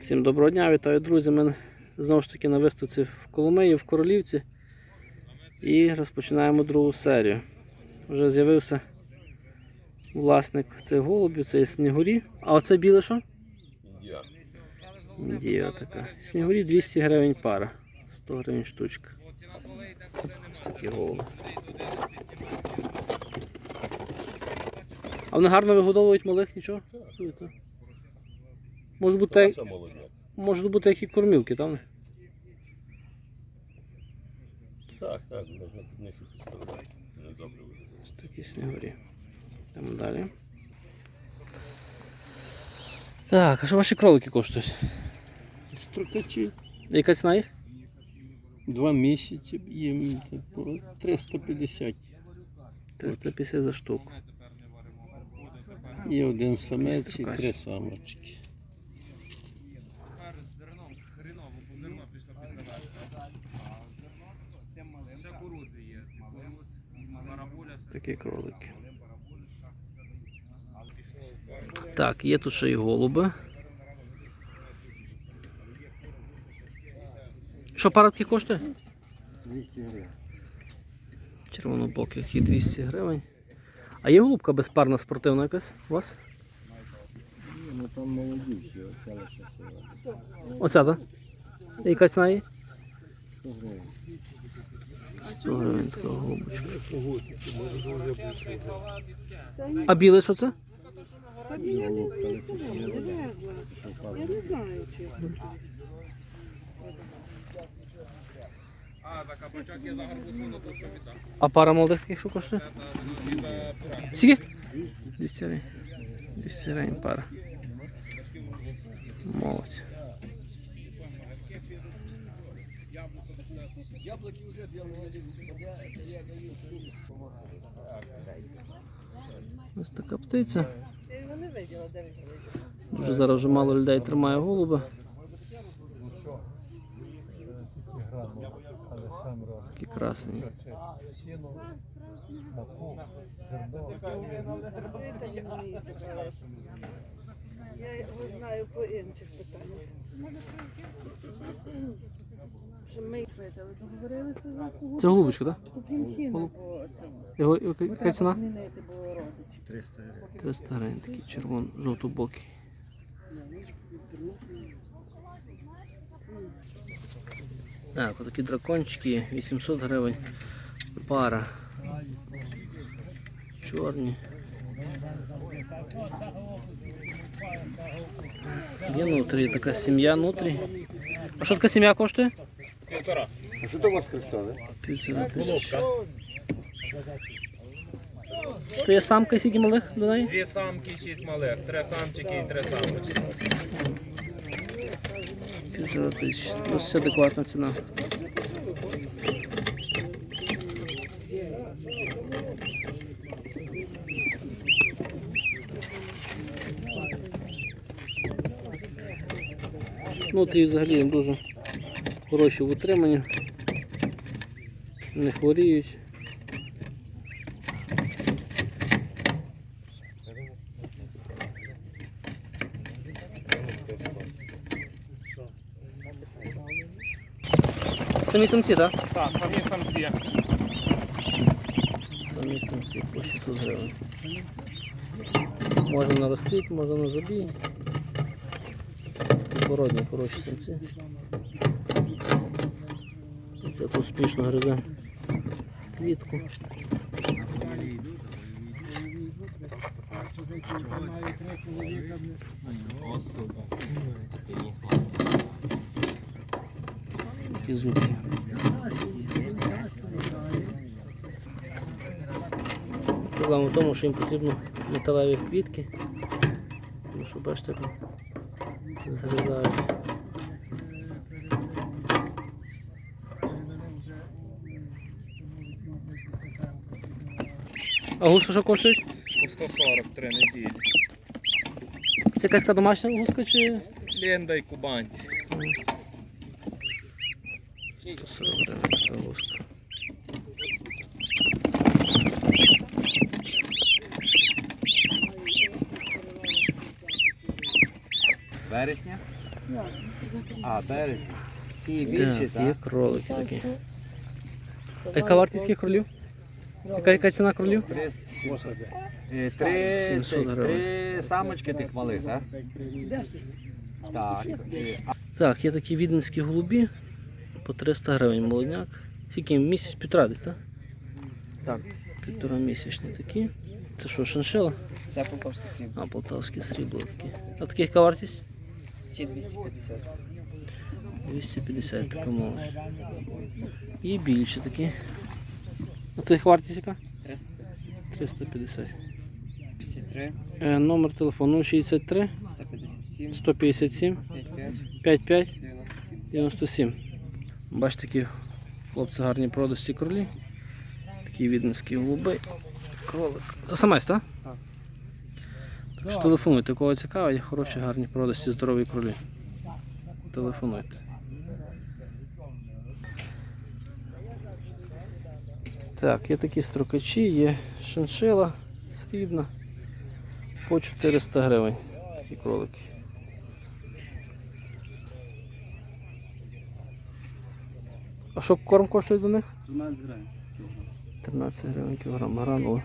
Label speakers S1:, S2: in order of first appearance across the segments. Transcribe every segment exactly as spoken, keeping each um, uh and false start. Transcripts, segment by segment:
S1: Всім доброго дня, вітаю, друзі. Ми знову ж таки на виставці в Коломиї, в Королівці. І розпочинаємо другу серію. Вже з'явився власник цих голубів, це снігурі. А оце біле що?
S2: Індія.
S1: Індія така. Снігурі двісті гривень пара, сто гривень штучка. Ось такі голуби. А вони гарно вигодовують малих, нічого? Може бути,
S2: Це молодняк.
S1: може бути які кормілки, там?
S2: Так, так, можна під них і підставляти. Вони добре виглядають.
S1: Ось такі снігурі. Йдемо далі. Так, а що ваші кролики коштують?
S3: Строкачі.
S1: Яка ціна їх?
S3: Два місяці їм по триста п'ятдесят.
S1: триста п'ятдесят за штуку.
S3: І один самець і
S1: Строкач.
S3: три самочки.
S1: Такі кролики. Так, є тут ще й голуби. Що пара таких коштує?
S3: двісті гривень.
S1: Червонобоких і двісті гривень. А є голубка безпарна спортивна якась у вас?
S3: Ну там молоді всі, оця лише сила.
S1: Оця, так? І яка ціна її?
S3: сто гривень.
S1: сто гривень така голубочка. А біле що це?
S3: І голубка, але це ще не знаю, що
S4: Я не знаю, чи.
S1: А пара молодих таких що коштує? Скільки? двісті гривень. двісті гривень пара. Молодь. Ось така птиця.
S4: Я його не виділа, де він виділа.
S1: Дуже зараз вже мало людей тримає голуба. Такі красені.
S4: Я його знаю по інших питаннях. Що ми їх видали, договорилися за кого?
S1: Це голубочка, так?
S4: По кінхіну,
S1: Голуб.
S4: по цьому.
S1: Його, яка
S4: Треба
S1: ціна?
S4: змінити, бо родичі.
S3: триста гривень.
S1: триста гривень, такий червоно, жовто-бокий. Так, отакі дракончики, вісімсот гривень пара. Чорні. Є внутрі така сім'я внутрі. А що така сім'я коштує?
S2: Півтора.
S3: А що до вас кристали?
S1: Півтора тисячі.
S2: Головка.
S1: То є самка, скільки малих до неї?
S5: Дві самки, шість малих, три самчики і три самочки.
S1: Півтора тисячі. Досить адекватна ціна. Внутрі взагалі дуже хороші в утриманні. Не хворіють. Самі самці, так?
S5: Так, самі самці.
S1: Самі самці по шістсот гривень. Можна на розплід, можна на забій. Породні, хороші самці. Це успішно гризе клітку. Такі зубки. Проблема в тому, що їм потрібно металеві квітки, тому що бачите, як згризають. А гуска що коштують?
S5: По сто сорок три неділі.
S1: Це якась така домашня гуска чи?
S5: Ленда і кубанці.
S1: сто сорок гривень така гуска.
S6: вересня.
S3: А, березні. Ці
S1: Так,
S3: більші,
S1: є
S3: так?
S1: кролики такі. А яка вартість таких кролів? Яка, яка ціна кролів?
S3: Три сімсот. Е, Три,
S1: сімсот
S3: цих,
S1: гривень.
S3: три самочки тих малих, так? Так. Е, а
S1: Так, є такі віденські голубі по триста гривень молодняк. Скільки місяць, півтора десь, так?
S3: Так.
S1: Півтора місячні такі. Це що, шиншила?
S6: Це полтавський срібло.
S1: А, полтавське срібло такі. А таких яка вартість?
S6: Ці двісті п'ятдесят.
S1: двісті п'ятдесят така молодь. І більші такі. А цих вартість яка?
S6: триста п'ятдесят.
S1: триста п'ятдесят.
S6: п'ятдесят три.
S1: Е, номер телефону шістдесят три
S6: сто п'ятдесят сім.
S1: сто п'ятдесят сім
S6: п'ятдесят п'ять.
S1: п'ятдесят п'ять
S6: дев'яносто сім.
S1: дев'яносто сім. Бачите, такі хлопці гарні продості кролі. Такі віденські голуби. Кролик. Це самець, так?
S6: Так.
S1: Так що телефонуйте, кого цікавить, хороші, гарні продості, здорові кролі. Телефонуйте. Так, є такі строкачі, є шиншила срібна по чотириста гривень. Такі кролики. А що корм коштує до них? тринадцять гривень кілограм. Гранула.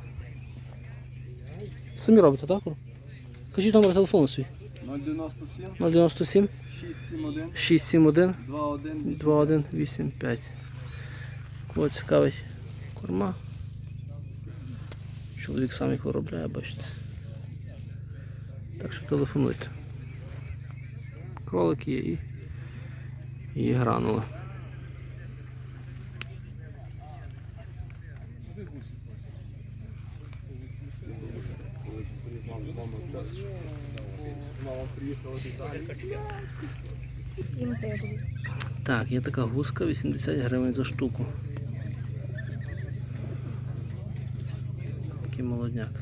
S1: Самі робите, так? корм? Кажіть номер телефону свій.
S3: нуль дев'яносто сім,
S1: нуль дев'яносто сім
S3: шість сім один,
S1: шість сім один
S3: два один.
S1: два один вісім п'ять. Кого цікавить корма. Чоловік сам їх виробляє, бачите. Так що телефонуйте. Кролики є і, і є гранула. Так, є така гуска, вісімдесят гривень за штуку. Такий молодняк.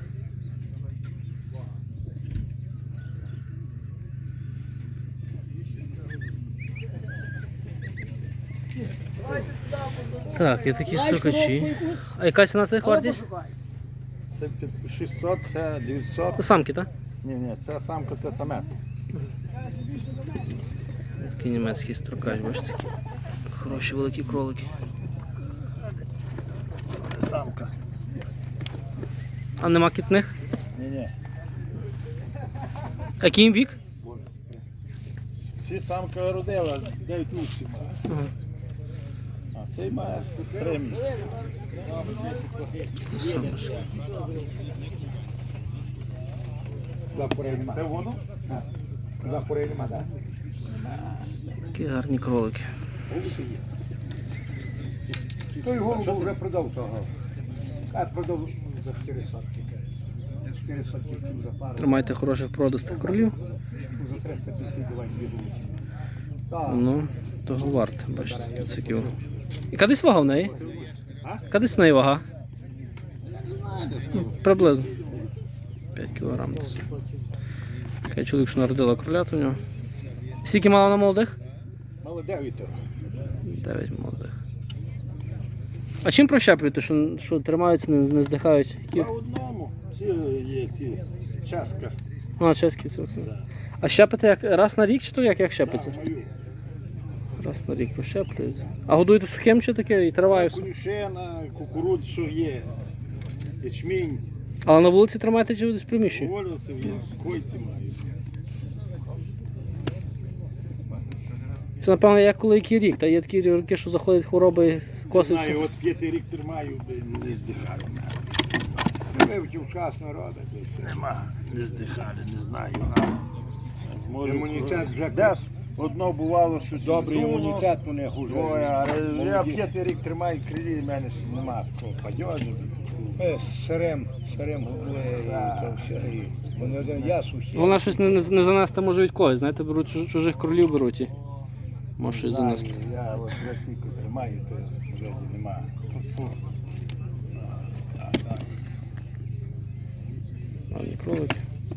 S1: Так, є такі стукачі. А яка ціна цих вартість?
S7: Це шістсот, це дев'ятсот.
S1: Це самки, так?
S7: Ні, ні, це самка, це самець.
S1: Такий німецький строкач, бачите. Хороші великі кролики.
S7: Це самка.
S1: А нема кітних?
S7: Ні, ні.
S1: А який їм вік?
S7: Ці самка родила, дев'ять місяців має.
S1: Ага.
S7: А цей має три місяці. Це воно? Туди курей нема, так?
S1: Такі гарні кролики.
S7: Той голубу вже продав того. А продав за чотири сотки. чотири сотки за пару.
S1: Тримайте хороших продастих кролів.
S7: За триста п'ятдесят давай дві голубки. Так.
S1: Ну, того варто, бачите, це кіо. Яка десь вага в неї?
S7: А?
S1: Яка десь в неї вага? Ну, приблизно. п'ять кілограм десь. Такий чоловік, що народила кролят у нього. Скільки мало на молодих?
S7: Мало дев'ять.
S1: дев'ять молодих. А чим прощеплюєте, що, що тримаються, не, не здихають? Які...
S7: По одному. Ці є ці часка.
S1: А, чеський сокс. А щепите як раз на рік чи то як, як щепиться?
S7: Мою.
S1: Раз на рік прощеплюють. А годуєте сухим чи таке і трава і все?
S7: Конюшена, кукурудз, що є. Ячмінь,
S1: Але на вулиці тримаєте чи десь в приміщенні?
S7: вольниці є, койці мають.
S1: Це, напевно, як коли який рік. Та є такі роки, що заходять хвороби,
S7: Не
S1: косить.
S7: знаю, от п'ятий рік тримаю, не здихаю. Не вивчив час народу. Нема, не здихали, не знаю. Імунітет вже десь. Одно бувало, що добрий імунітет у них уже. Ой, але я п'ятий рік тримаю крилі, в мене ж нема такого падьожу.
S3: Сирем, сирем губли, то все. і Вони один я сухі.
S1: Вона щось не, не, не занести може від когось. Знаєте, беруть чуж- чужих кролів беруть і може щось
S7: Знаю,
S1: занести.
S7: я от вже тільки тримаю, то вже нема.
S1: Гарні кролики.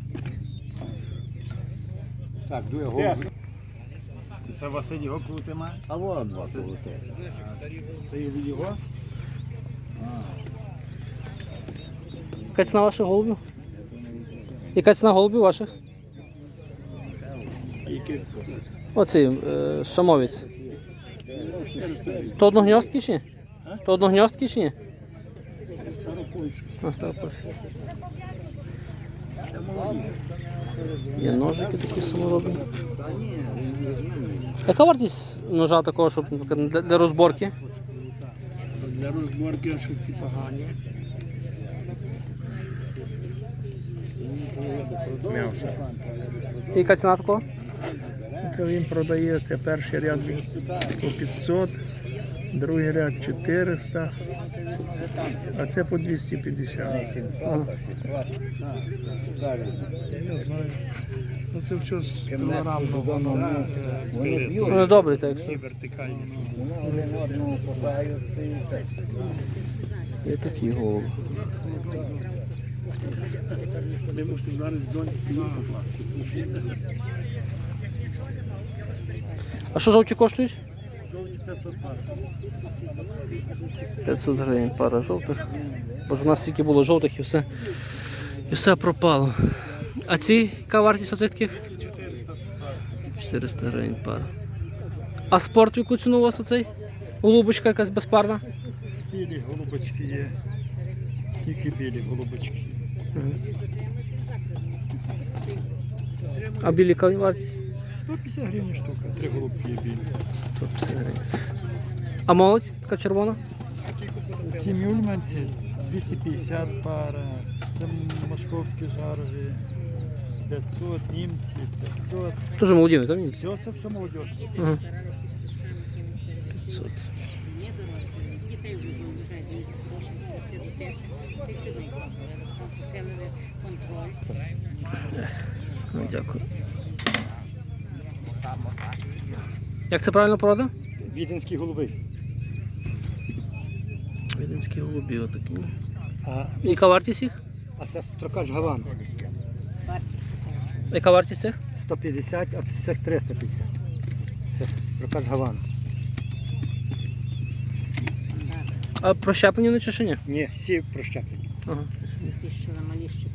S7: Так, дує голову. Це Василь його крути має?
S3: А вот два колоти.
S7: Це від його?
S1: Яка ціна ваших голубів? Яка ціна голубів ваших? Оцей е, шамовець. То одногньостки чи ні? То одногньостки чи ні? А, старопольський. Є ножики такі саморобні. Яка вартість ножа такого, щоб наприклад, для, для розборки?
S7: Для розборки, що ці погані.
S5: М'ясо.
S1: І яка ціна такого?
S7: То він продає, це перший ряд він по п'ятсот, другий ряд чотириста, а це по двісті п'ятдесят.
S1: Ага.
S7: Я не знаю. Ну це все з кілограмного воно.
S3: Вони б'ють,
S1: Ну, добре, так.
S7: І вертикальні.
S3: вони один одного попадають і так.
S1: Є такі голуби.
S7: Ми мусимо зараз дзвонити покласти.
S1: А що жовті коштують?
S7: п'ятсот пар.
S1: п'ятсот гривень пара жовтих. Бо ж у нас стільки було жовтих і все, і все пропало. А ці, яка вартість оцих таких? чотириста гривень пара. А спорт, яку ціну у вас оцей? Голубочка якась безпарна?
S7: Білі голубочки є. Тільки білі голубочки.
S1: Мгм. А білі яка вартість?
S7: сто п'ятдесят гривень штука, три голубки є білі.
S1: сто п'ятдесят гривень. А молодь така червона?
S7: Ці мюльманці двісті п'ятдесят пара, це московські жарові, п'ятсот, німці, п'ятсот.
S1: Дуже молоді, так? Ні?
S7: Все, це все молодіж.
S1: Ага. п'ятсот.
S8: Дітей вже залишають, діти гроші, все дитяче, посилили контроль.
S1: Ну, дякую. Як це правильно порода?
S3: Віденські голуби.
S1: Віденські голубі отакі.
S3: А,
S1: Яка вартість їх?
S3: а це строкач Гаван.
S1: Яка вартість цих?
S3: сто п'ятдесят, а це триста п'ятдесят. Це строкач Гаван.
S1: А прощеплені вони чи ще ні?
S3: Ні, всі прощеплені.
S1: Ага.
S8: Ті, що на малі ще.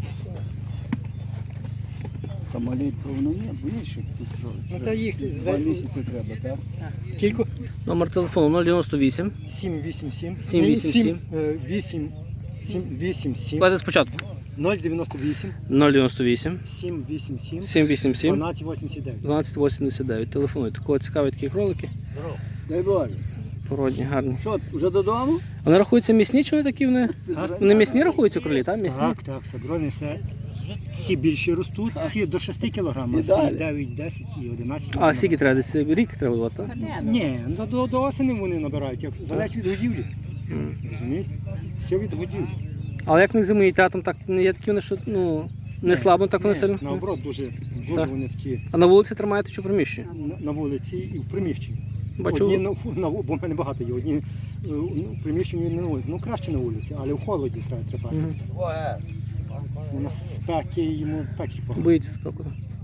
S7: Та малій повно ні, більше.
S3: Ну та їх за
S7: місяці треба, так?
S3: кілько?
S1: Номер телефону нуль дев'яносто вісім.
S3: сім вісім сім.
S1: сім вісім сім.
S3: вісім сім вісім сім.
S1: Давайте спочатку.
S3: нуль дев'яносто вісім.
S1: нуль дев'яносто вісім.
S3: сім вісім сім.
S1: сім вісім сім.
S3: дванадцять вісімдесят дев'ять.
S1: дванадцять вісімдесят дев'ять. Телефонуйте. Кого цікаві такі кролики?
S7: Дай Боже.
S1: Породні, гарні.
S7: Що, вже додому?
S1: Вони рахуються м'ясні, чи вони такі вони? Вони м'ясні рахуються кролі, так? М'ясні?
S3: Так, так, саброни все. Всі більші ростуть, всі до шести кілограмів,
S7: І далі.
S3: дев'ять, десять і одинадцять.
S1: А скільки треба? Десь рік треба було, так?
S3: Ні, ну, до, до осені вони набирають, як залежить від годівлі.
S1: Мгм.
S3: Розумієте? Все від годівлі.
S1: Але як в них зимують, там так не є такі вони, що ну, не слабо, так вони
S3: Ні,
S1: сильно.
S3: наоборот, дуже, дуже
S1: Так.
S3: вони такі
S1: А на вулиці тримаєте чи в приміщенні?
S3: на, на вулиці і в приміщенні.
S1: Бачу,
S3: Одні на, на, бо в мене багато є, одні е, ну, в приміщенні не на вулиці. Ну краще на вулиці, але в холоді треба тримати.
S1: Мгм.
S3: У нас спеки йому так і погано.
S1: Боїться спеку.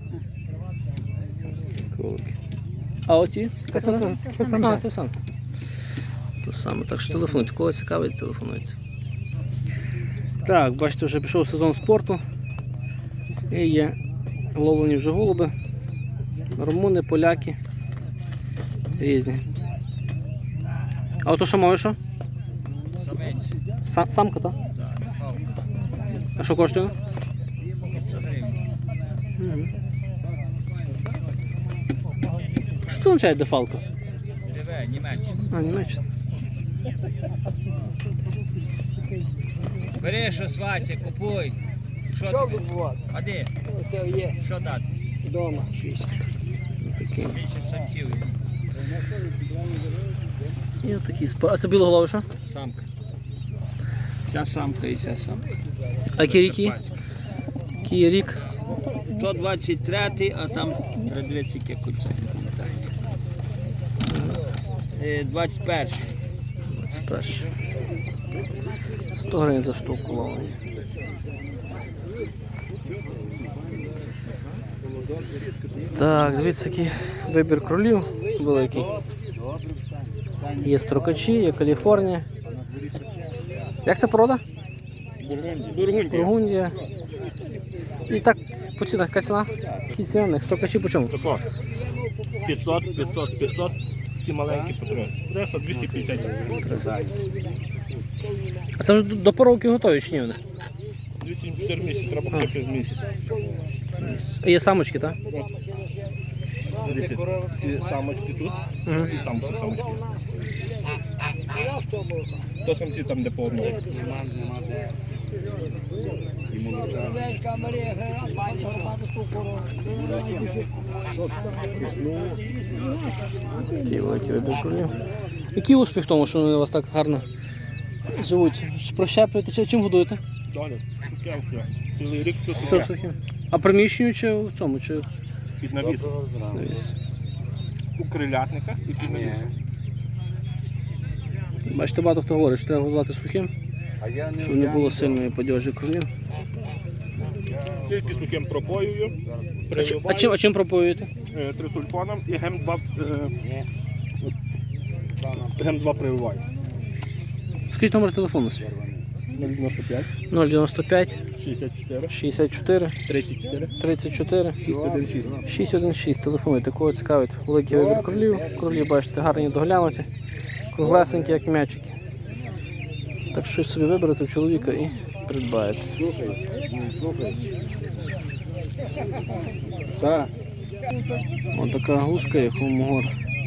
S1: Кролики. А оті? Яка
S3: Це-
S1: ціна?
S3: це- це саме.
S1: А, це саме. То саме. Так що телефонуйте. Кого цікавить, телефонуйте. Так, бачите, вже пішов сезон спорту. І є ловлені вже голуби. Румуни, поляки. Різні. А ото що мовиш? Що?
S6: Самець.
S1: Са- самка, так?
S6: Так, фалка.
S1: А що коштує?
S6: п'ятсот гривень.
S1: Мгм. Що це означає дефалка?
S6: Диви, Німеччина.
S1: А, Німеччина.
S6: Бери щось, Вася, купуй. Що тобі? А де?
S3: Це є
S6: Що дати?
S3: вдома.
S1: Такі.
S6: Більше самців.
S1: І отакі спо- А це білоголовий що?
S6: Самка. Ця самка і ця самка.
S1: А який рік її? Який є рік?
S6: То двадцять третій, а там тридцять яке кольцо. Е, двадцять перший.
S1: двадцять перший. сто гривень за штуку ловлені. Так, дивіться, який вибір кролів великий. Є строкачі, є Каліфорнія. Як це порода?
S7: Бургундія.
S1: Бургундія. І так По цінах, яка ціна? Які ціни? в них? Стокачі по чому?
S5: Тако. п'ятсот, п'ятсот, п'ятсот. Ті маленькі по триста, двісті п'ятдесят.
S1: А це вже до до поровки готові чи ні вони?
S5: двісті чотири місяці, треба хоча через місяць.
S1: А є самочки, так?
S5: Дивіться, ці самочки тут
S1: Угу.
S5: і там всі самочки. То самці там, де по одному.
S1: Такий великий вибір кролів. Який успіх в тому, що вони у вас так гарно живуть? Чи прощепуєте, чи чим годуєте?
S5: Далі, сухе все. Цілий рік все
S1: Все
S5: сухе.
S1: сухе. А приміщенню чи в цьому? Чи...
S5: Під навіс. У крилятниках і під навісом.
S1: Бачите, багато хто говорить, що треба годувати сухим, щоб не було сильної подіжі кролів.
S5: Тільки сухим пропоюю,
S1: А, чи- а, чим,
S5: приливаю
S1: а чим пропоюєте?
S5: е, трисульфоном і гем два, е, гем два прививаю.
S1: Скажіть номер телефону свій.
S5: нуль дев'яносто п'ять,
S1: нуль дев'яносто п'ять,
S5: шістдесят чотири,
S1: шістдесят чотири,
S5: тридцять чотири,
S1: тридцять чотири,
S5: шість один шість.
S1: шість один шість. Телефонуйте, кого цікавить великий вибір кролів. Кролі, бачите, гарні доглянуті, круглесенькі, як м'ячики. Так щось собі виберете у чоловіка і придбаєте.
S3: Так.
S1: Ось така гуска, як холмогор.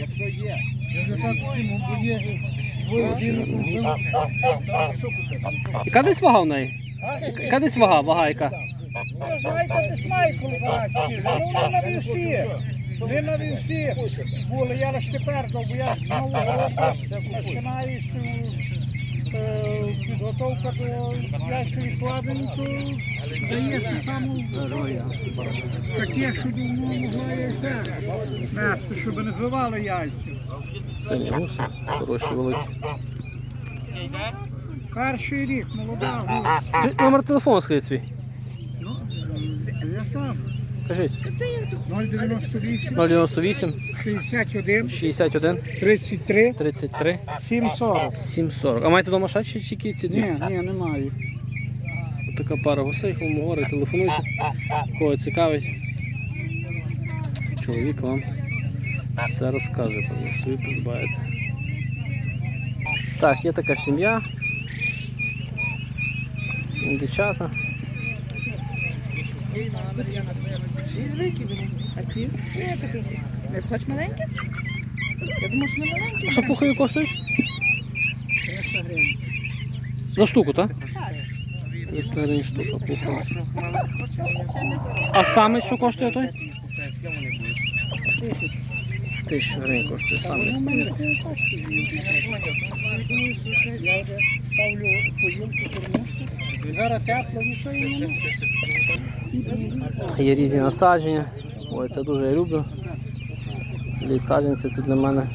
S1: Яка десь вага в неї? Яка десь вага? Вага яка?
S7: Ви знаєте, десь має колбаски, ну вони на вівсі. Вони на вівсі були, я лише тепер, бо я з нового року починаюся підготовка до яйцевих відкладень, то дається саме таке, що давно могла яйця нести, щоб не звивали яйця.
S1: Сильні гуси, хороші, великі.
S7: Перший рік, молода гусь.
S1: Скажіть, номер телефону скажіть свій. Кажіть.
S7: нуль дев'яносто вісім,
S1: нуль дев'яносто вісім,
S7: шістдесят один,
S1: шістдесят один,
S7: тридцять три,
S1: тридцять три,
S7: сім сорок.
S1: сім сорок. А маєте вдома ще чи тільки ці дві?
S7: Ні, ні, немає.
S1: Ось така пара гусей, холмогори, телефонуйте. Кого цікавить. Чоловік вам все розкаже, про них собі придбаєте. Так, є така сім'я. Дівчата.
S4: А ці? Ні, так не хочеш маленьке? Я думаю, що не маленьке.
S1: А що пухові коштують?
S4: триста гривень.
S1: За штуку, так?
S4: Так.
S1: триста гривень штука пухова.
S4: Ще не дорого.
S1: А саме що коштує той?
S4: Тисяч.
S1: Тисячу гривень коштує саме.
S7: Я вже ставлю поїлку кормушку. Зараз тепло, нічого і немає.
S1: Є різні насадження. Ой, це дуже я люблю. Для саджанці це для мене.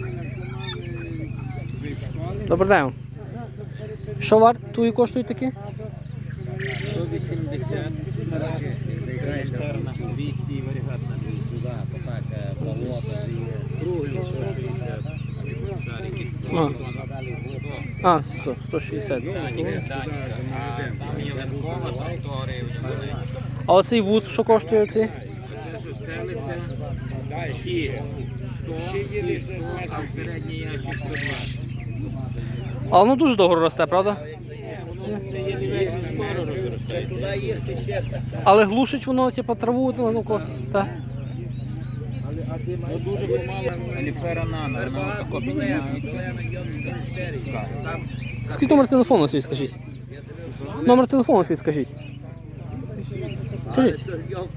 S1: Добрий день. Що вартує коштують такі?
S6: сто вісімдесят, заіграєш терна, двісті, варігатна, сюди, потак, болото, круглі, сто шістдесят, шарики,
S1: А, а все, сто шістдесят.
S6: Даніка, Даніка, а там є легкова, то сто гривень.
S1: А оцей вуз, що коштує оцей?
S6: Це що стелиться, ті сто, ці сто, а середній ящик сто двадцять.
S1: А воно дуже довго росте, правда?
S6: Це є лівець, він скоро розростається.
S1: Але глушить воно, типу, траву, ну, ну, ко- так.
S6: Ну, дуже помало аліфера нано, вона тако піднімається.
S1: Скажіть номер телефону свій, скажіть. Номер телефону свій, скажіть. Скажіть.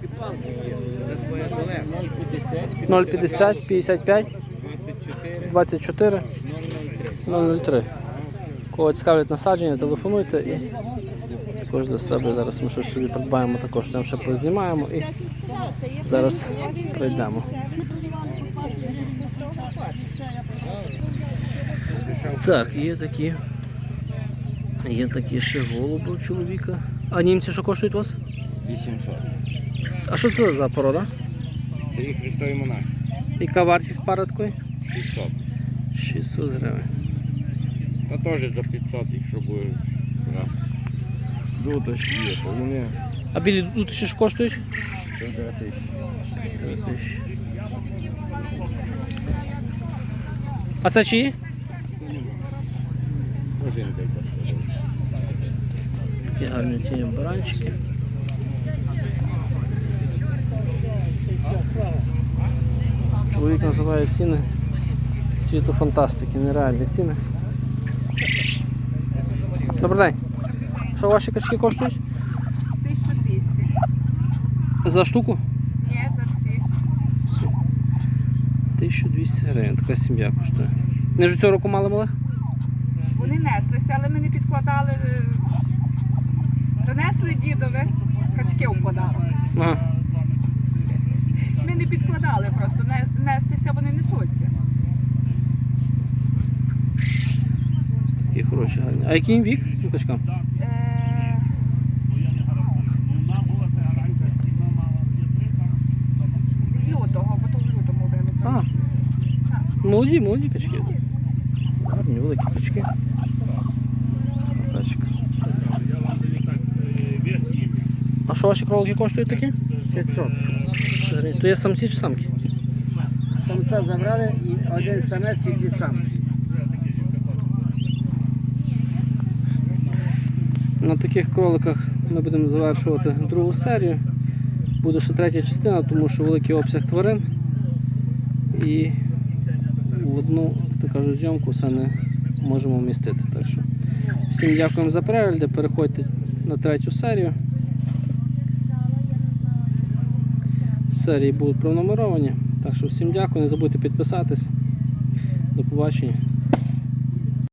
S6: нуль п'ятдесят,
S1: нуль п'ятдесят, п'ятдесят п'ять,
S6: двадцять чотири,
S1: двадцять чотири, нуль нуль три. Кого цікавлять насадження, телефонуйте і також до себе зараз ми щось собі придбаємо, також там ще познімаємо і зараз прийдемо. Так, є такі. Є такі ще голуби у чоловіка. А німці що коштують у вас?
S2: вісімсот.
S1: А що це за порода?
S2: Це їх Христові монахи.
S1: Яка вартість пари такої?
S2: шістсот.
S1: шістсот гривень.
S2: Ну теж за п'ятсот, якщо буде. Дудочки є, то вони
S1: А білі дутичі що коштують?
S3: Півтора тисячі.
S1: Три тисячі. А це чиї?
S3: Один дай.
S1: Такі гарні ті баранчики. Чоловік називає ціни світу фантастики, нереальні ціни. Добрий день. Що ваші качки коштують?
S4: тисяча двісті.
S1: За штуку?
S4: Ні, за всі.
S1: тисяча двісті гривень, така сім'я коштує. Не ж цього року мали малих?
S4: Вони неслися, але ми не підкладали. е, Принесли дідове, качки в подарок.
S1: Ага.
S4: Ми не підкладали просто, не- нестися вони несуться.
S1: Такі хороші, гарні. А який їм вік цим качкам?
S4: Е, Лютого, бо то в лютому
S1: А.
S4: вилупили.
S1: Молоді, молоді качки. Гарні, великі качки. Качка. А що ваші кролики коштують такі?
S9: п'ятсот.
S1: То є самці чи самки?
S9: Самця забрали і один самець і дві самки.
S1: На таких кроликах ми будемо завершувати другу серію. Буде ще третя частина, тому що великий обсяг тварин. І в одну, так кажуть, зйомку все не можемо вмістити. Так що всім дякуємо за перегляди, переходьте на третю серію. Серії будуть пронумеровані. Так що всім дякую, не забудьте підписатись. До побачення.